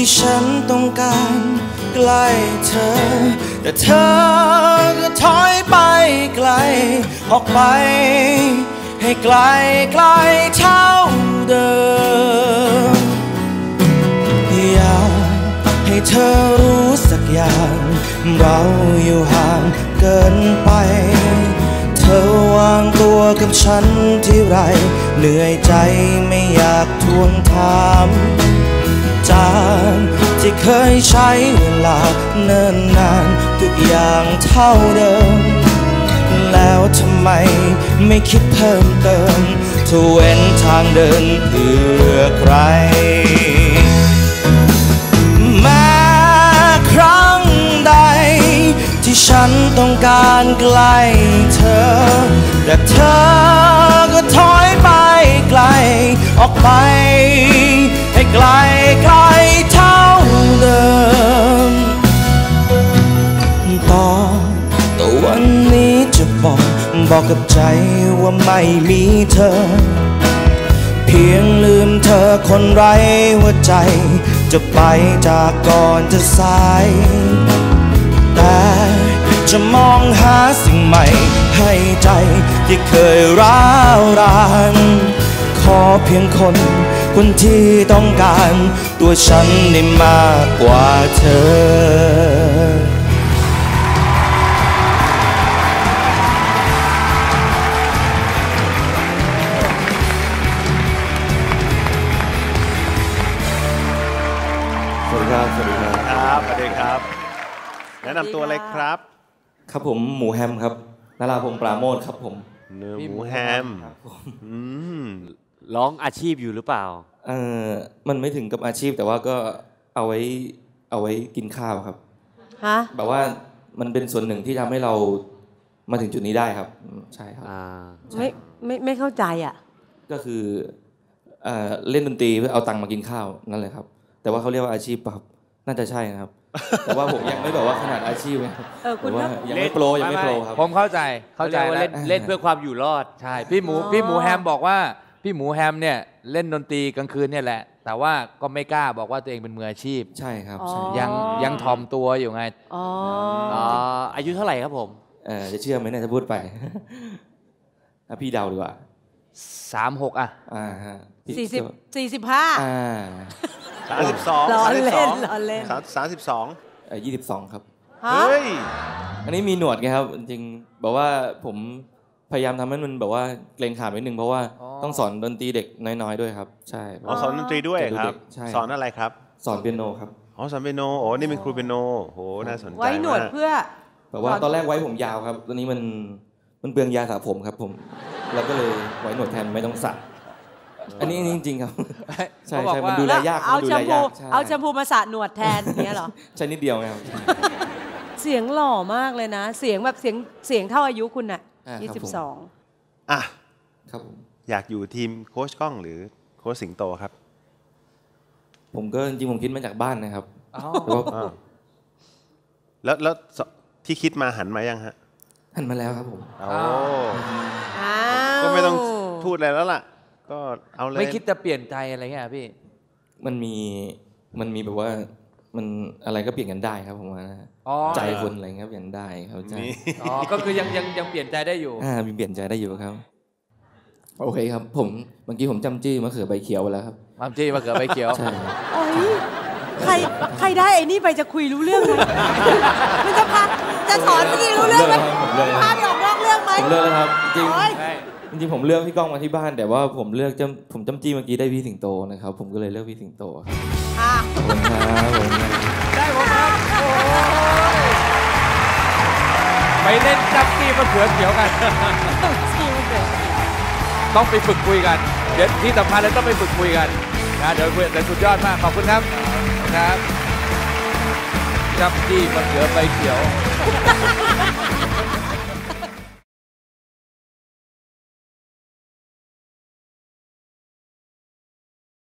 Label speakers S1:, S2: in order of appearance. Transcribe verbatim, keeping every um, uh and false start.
S1: ที่ฉันต้องการใกล้เธอแต่เธอก็ถอยไปไกลออกไปให้ไกลไกลเท่าเดิมอยากให้เธอรู้สักอย่างเราอยู่ห่างเกินไปเธอวางตัวกับฉันที่ไรเหนื่อยใจไม่อยากทวงถามจากที่เคยใช้เวลาเนิ่นนานทุกอย่างเท่าเดิมแล้วทำไมไม่คิดเพิ่มเติมถ้าเว้นทางเดินเพื่อใครแม้ครั้งใดที่ฉันต้องการใกล้เธอแต่เธอก็ถอยไปไกลออกไปให้ไกลไกลเท่าเดิมต่อแต่วันนี้จะบอกบอกกับใจว่าไม่มีเธอเพียงลืมเธอคนไร้หัวใจจะไปจากก่อนจะสายแต่จะมองหาสิ่งใหม่ให้ใจที่เคยร้าวรานขอเพียงคนคนที่ต้องการตัวฉันได้มากกว่าเธอสวัสดีครับสวัสดีครับ
S2: ครับสวัสดีครับแนะนำตัวเลยครับ
S1: ครับผมหมูแฮมครับนราพงษ์ปราโมทครับผม
S2: เนื้อหมูแฮมอืม
S3: ร้องอาชีพอยู่หรือเปล่า
S1: เออมันไม่ถึงกับอาชีพแต่ว่าก็เอาไว้เอาไว้กินข้าวครับ
S4: ฮะ
S1: แบบว่ามันเป็นส่วนหนึ่งที่ทำให้เรามาถึงจุดนี้ได้ครับใช่ครับ
S4: ไม่ไม่ไม่เข้าใจอ่ะ
S1: ก็คือเอ่อเล่นดนตรีเพื่อเอาตังค์มากินข้าวนั่นแหละครับแต่ว่าเขาเรียกว่าอาชีพป่ะครับน่าจะใช่นะครับแต่ว่าผมยังไม่แบบว่าขนาดอาชีพนะครับแต่ว่ายังไม่โปรยังไม่โปรครับ
S5: ผมเข้าใจเข้าใจ
S3: เล่นเล่นเพื่อความอยู่รอด
S5: ใช่พี่หมูพี่หมูแฮมบอกว่าพี่หมูแฮมเนี่ยเล่นดนตรีกลางคืนเนี่ยแหละแต่ว่าก็ไม่กล้าบอกว่าตัวเองเป็นมืออาชีพ
S1: ใช่ครับ
S5: ยังยังถ่อมตัวอยู่ไง
S4: อ๋อ
S3: อายุเท่าไหร่ครับผม
S1: เออจะเชื่อไหมเนี่ยจะพูดไปพี่เดาดีกว่า
S5: สามหกอ่ะ
S1: อ่าฮะ
S4: สี่สิบสี่สิบห้า
S1: อ่า
S2: สามสิบสอง
S4: ล้อเล่นล้อเล่น
S2: สามสิบสอง
S1: เอ่อยี่สิบสองครับ
S2: เฮ้ย
S1: อันนี้มีหนวดไงครับจริงบอกว่าผมพยายามทำให้มันแบบว่าเกรงขามนิดนึงเพราะว่าต้องสอนดนตรีเด็กน้อยๆด้วยครับใช่
S2: อ๋อสอนดนตรีด้วยครับสอนอะไรครับ
S1: สอนเปียโนครับ
S2: อ๋อสอนเปียโนโอ้นี่เป็นครูเปียโนโหน่าสนใจ
S4: ไว้หนวดเพื่อ
S1: แบบว่าตอนแรกไว้ผมยาวครับตอนนี้มันมันเปลืองยาสระผมครับผมแล้วก็เลยไว้หนวดแทนไม่ต้องสระอันนี้จริงๆครับใช่ใช่มันดูแลยาก
S4: เอาแชมพูเอาแชมพูมาสระหนวดแทนเนี้ยเหรอ
S1: ใช่นิดเดียวครับ
S4: เสียงหล่อมากเลยนะเสียงแบบเสียงเสียงเท่าอายุคุณน่ะยี่สิบสอง
S2: อ่ะ
S1: ครับ
S2: อยากอยู่ทีมโค้ชก้องหรือโค้ชสิงโตครับ
S1: ผมก็จริงๆผมคิดมาจากบ้านนะครับ
S2: แล้วแล้วที่คิดมาหันมายังฮะ
S1: หันมาแล้วครับผม
S2: โอ้ก็ไม่ต้องพูดอะไรแล้วล่ะก็เอาเลย
S5: ไม่คิดจะเปลี่ยนใจอะไรเงี้ยพี่
S1: มันมีมันมีแบบว่ามันอะไรก็เปลี่ยนกันได้ครับผมว่าใจคนอะไรเงี้ยเปลี่ยนได้เขาใจ
S5: อ๋อก็คือยังยังยังเปลี่ยนใจได้อยู่
S1: อ่ามีเปลี่ยนใจได้อยู่ครับโอเคครับผมเมื่อกี้ผมจำจี้มะเขือใบเขียวไปแล้วครับ
S5: จำจี้มะเขือใบเขียว
S1: ใช่
S4: โอ้ยใครใครได้ไอ้นี่ไปจะคุยรู้เรื่องไหมมันจะพาจะสอนเมื่อกี้รู้เรื่องไหมพาไปออกนอกเรื่องไหม
S1: ผมเลือกแล้วครับจริงจริงผมเลือกพี่ก้องมาที่บ้านแต่ว่าผมเลือกจำผมจำจี้เมื่อกี้ได้พี่สิงโตนะครับผมก็เลยเลือกพี่สิงโตครับขอบคุณครับผม
S5: ได้ผมครับไปเล่นจำจี้มะเขือเขียวกันต้องไปฝึกคุยกันเดี๋ยวที่สำคัญเลยต้องไปฝึกคุยกันนะเดี๋ยวคุยแต่สุดยอดมากขอบคุณครับครับจำจี้มะเขือใบเขียว